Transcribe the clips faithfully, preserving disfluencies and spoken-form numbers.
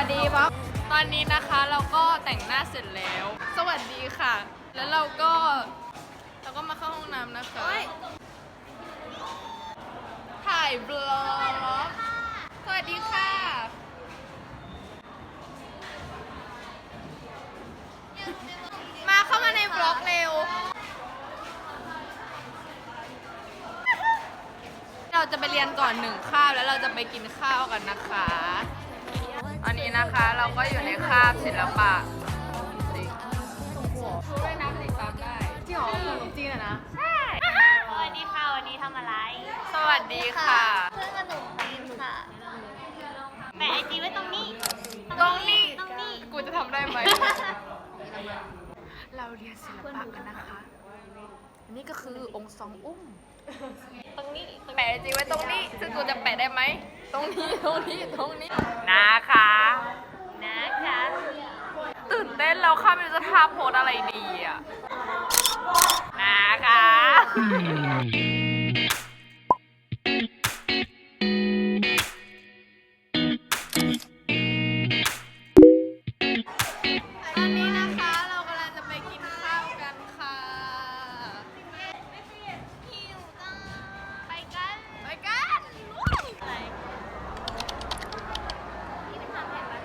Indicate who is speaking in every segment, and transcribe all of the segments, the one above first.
Speaker 1: ดีบ๊อบตอนนี้นะคะเราก็แต่งหน้าเสร็จแล้ว สวัสดีค่ะ แล้วเราก็เราก็มาเข้าห้องน้ำนะคะถ่ายบล็อกสวัสดีค่ะมาเข้ามาในบล็อกเร็วเราจะไปเรียนก่อนหนึ่งคาบแล้วเราจะไปกินข้าวกันนะคะตอนนี้นะคะเราก็อยู่ในคาบศิลปะรู้ด้วยนะติดตามได้ที่หอขนมจีนอะนะใช่
Speaker 2: สวัสดีค่ะวันนี้ทำอะไร
Speaker 1: สวัสดีค่ะ
Speaker 2: เพื่อนขนมจีนค่ะแปะไอจีไว้ตรงนี้
Speaker 1: ตรงนี้
Speaker 2: ตรงนี้
Speaker 1: กูจะทำได้ไหม เราเรียนศิลปะกันนะคะนี่ก็คือองค์สองอุ้ม
Speaker 2: ตรงนี้
Speaker 1: แปะจริงไว้ตรงนี้ซึ่งกูจะแปะได้ไหมตรงนี้ตรงนี้ตรงนี้นะคะ
Speaker 2: นะคะ
Speaker 1: ตื่นเต้นเราข้าไม่รู้จะท่าโพสอะไรดีอ่ะนะคะ ตอนนี้นะคะเรากำลังจะไปกินข้าวกันค่ะ
Speaker 2: หิวจังไปกัน
Speaker 1: ไปกัน
Speaker 2: อะไรนี่เป็นทางแผนปะ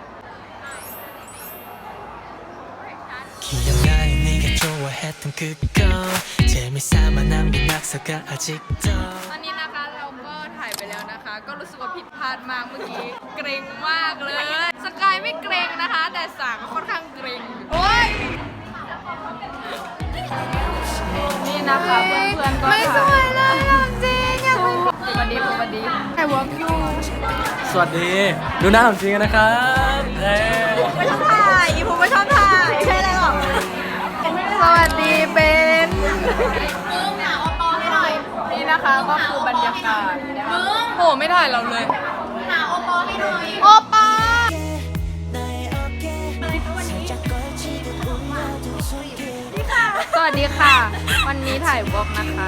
Speaker 1: ตอนนี้นะคะเราก็ถ่ายไปแล้วนะคะ ก็รู้สึกว่าผิดพลาดมากเมื่อกี้เกรงมากเลย สกายไม่เกรงนะคะ แต่สางค่อนข้างเกรงโอ้ยนี่นะคะเพื่อนๆก็ไม่สวยเลยจริงอย่าพูดสวัสดีสวัสดีใครวอล์กยู
Speaker 3: สวัสดีดูหน้าผมจริงนะครับเอ้
Speaker 1: ไม่ชอบถ่ายอีผมไม่ชอบถ่ายใช่เลยหรอสวัสดีเป็นมึงหาโอปอให้หน่อยนี่นะคะก็คือบรรยากาศมึงโหไม่ถ่ายเราเลย
Speaker 2: หาโอปอให้หน่อย
Speaker 1: โอปอสวัสดีค่ะวันนี้ถ่ายวอล์กนะคะ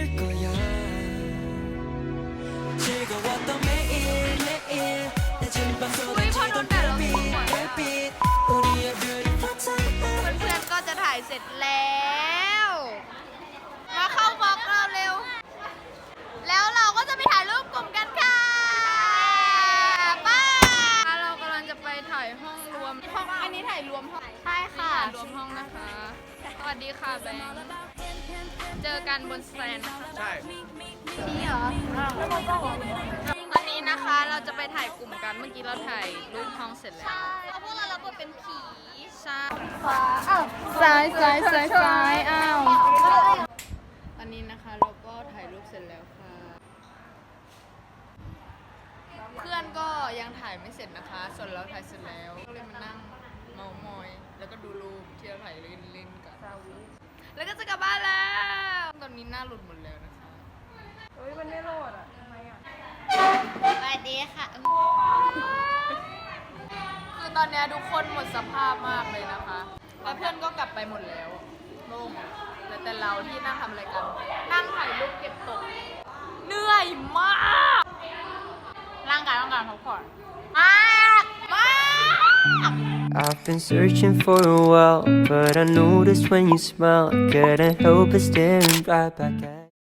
Speaker 1: อุ้ยพอโดนแดดเราสวยเพื่อนๆก็จะถ่ายเสร็จแล้วมาเข้าวอล์กเราเร็วแล้วเราก็จะไปถ่ายรูปกลุ่มกันค่ะป้าเรากำลังจะไปถ่ายห้องรวมห้องอันนี้ถ่ายรวมห้อง
Speaker 2: ใช่ค่ะ
Speaker 1: รวมห้องนะคะสวัสดีค่ะแบงค์เจอกันบนสแตนนะคะ
Speaker 3: ใช่
Speaker 2: นี่เหรอ
Speaker 1: ตอนนี้นะคะเราจะไปถ่ายกลุ่มกันเมื่อกี้เราถ่ายรูปห้องเสร็จแล้ว
Speaker 2: เอาพวกเรารับบทเป็นผี
Speaker 1: ใช่
Speaker 2: ขวาอ้าว
Speaker 1: ซ้ายซ้ายซ้ายซ้ายอ้าวตอนนี้นะคะเราก็ถ่ายรูปเสร็จแล้วค่ะเพื่อนก็ยังถ่ายไม่เสร็จนะคะส่วนเราถ่ายเสร็จแล้วก็เลยมานั่งเมามอยแล้วก็ดูรูปที่เราถ่ายเล่นๆกันแล้วก็จะกลับบ้านแล้วตอนนี้หน้าหลุดหมดแล้วนะคะเฮ้ยมันไม่โหลดอ่ะทำไมอ่ะ
Speaker 2: สวัสดีค่ะ
Speaker 1: คือตอนนี้ทุกคนหมดสภาพมากเลยนะคะแล้วเพื่อนก็กลับไปหมดแล้วโล่งแต่แต่เราที่นั่งทำอะไรกัน นั่งถ่ายรูปเก็บตกเหนื่อยมากร่างกายต้องการพักผ่อนมากมาก
Speaker 4: I've been searching for a while, but I noticed when you smile, I couldn't help but staring right back at you.